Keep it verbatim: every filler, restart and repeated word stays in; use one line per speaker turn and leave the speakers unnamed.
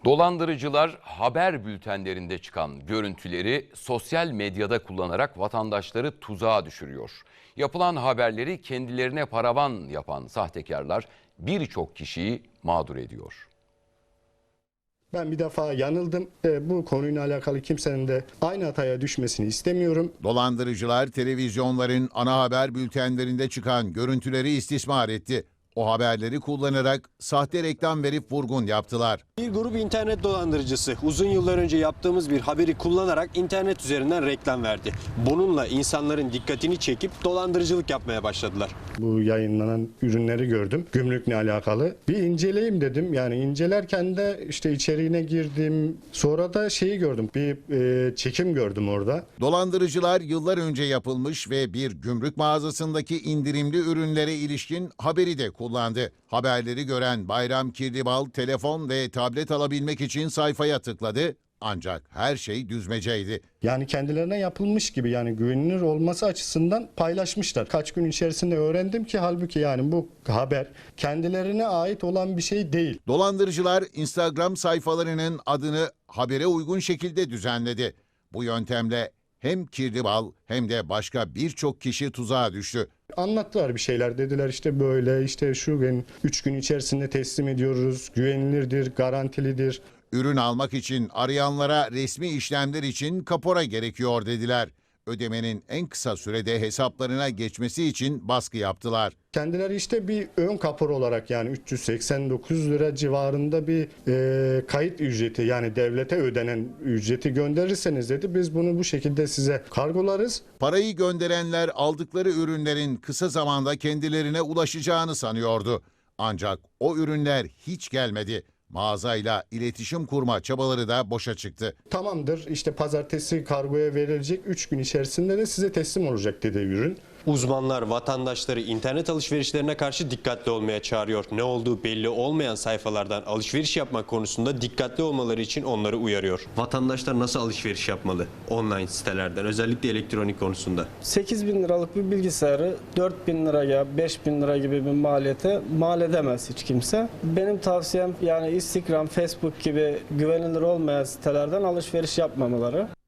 Dolandırıcılar haber bültenlerinde çıkan görüntüleri sosyal medyada kullanarak vatandaşları tuzağa düşürüyor. Yapılan haberleri kendilerine paravan yapan sahtekarlar birçok kişiyi mağdur ediyor.
Ben bir defa yanıldım. E, bu konuyla alakalı kimsenin de aynı hataya düşmesini istemiyorum.
Dolandırıcılar televizyonların ana haber bültenlerinde çıkan görüntüleri istismar etti. O haberleri kullanarak sahte reklam verip vurgun yaptılar.
Bir grup internet dolandırıcısı uzun yıllar önce yaptığımız bir haberi kullanarak internet üzerinden reklam verdi. Bununla insanların dikkatini çekip dolandırıcılık yapmaya başladılar.
Bu yayınlanan ürünleri gördüm. Gümrükle alakalı. Bir inceleyeyim dedim. Yani incelerken de işte içeriğine girdim. Sonra da şeyi gördüm. Bir e, çekim gördüm orada.
Dolandırıcılar yıllar önce yapılmış ve bir gümrük mağazasındaki indirimli ürünlere ilişkin haberi de kullandı. kullandı. Haberleri gören Bayram Kirlibal telefon ve tablet alabilmek için sayfaya tıkladı. Ancak her şey düzmeceydi.
Yani kendilerine yapılmış gibi, yani güvenilir olması açısından paylaşmışlar. Kaç gün içerisinde öğrendim ki halbuki yani bu haber kendilerine ait olan bir şey değil.
Dolandırıcılar Instagram sayfalarının adını habere uygun şekilde düzenledi. Bu yöntemle hem Kirlibal hem de başka birçok kişi tuzağa düştü.
Anlattılar bir şeyler, dediler işte böyle işte şu gün üç gün içerisinde teslim ediyoruz, güvenilirdir, garantilidir.
Ürün almak için arayanlara resmi işlemler için kapora gerekiyor dediler. Ödemenin en kısa sürede hesaplarına geçmesi için baskı yaptılar.
Kendileri işte bir ön kapor olarak yani üç yüz seksen dokuz lira civarında bir e, kayıt ücreti, yani devlete ödenen ücreti gönderirseniz dedi, biz bunu bu şekilde size kargolarız.
Parayı gönderenler aldıkları ürünlerin kısa zamanda kendilerine ulaşacağını sanıyordu. Ancak o ürünler hiç gelmedi. Mağazayla iletişim kurma çabaları da boşa çıktı.
Tamamdır, işte pazartesi kargoya verilecek, üç gün içerisinde de size teslim olacak dedi ürün.
Uzmanlar vatandaşları internet alışverişlerine karşı dikkatli olmaya çağırıyor. Ne olduğu belli olmayan sayfalardan alışveriş yapmak konusunda dikkatli olmaları için onları uyarıyor. Vatandaşlar nasıl alışveriş yapmalı online sitelerden, özellikle elektronik konusunda?
sekiz bin liralık bir bilgisayarı dört bin liraya, beş bin lira gibi bir maliyete mal edemez hiç kimse. Benim tavsiyem yani Instagram, Facebook gibi güvenilir olmayan sitelerden alışveriş yapmamaları.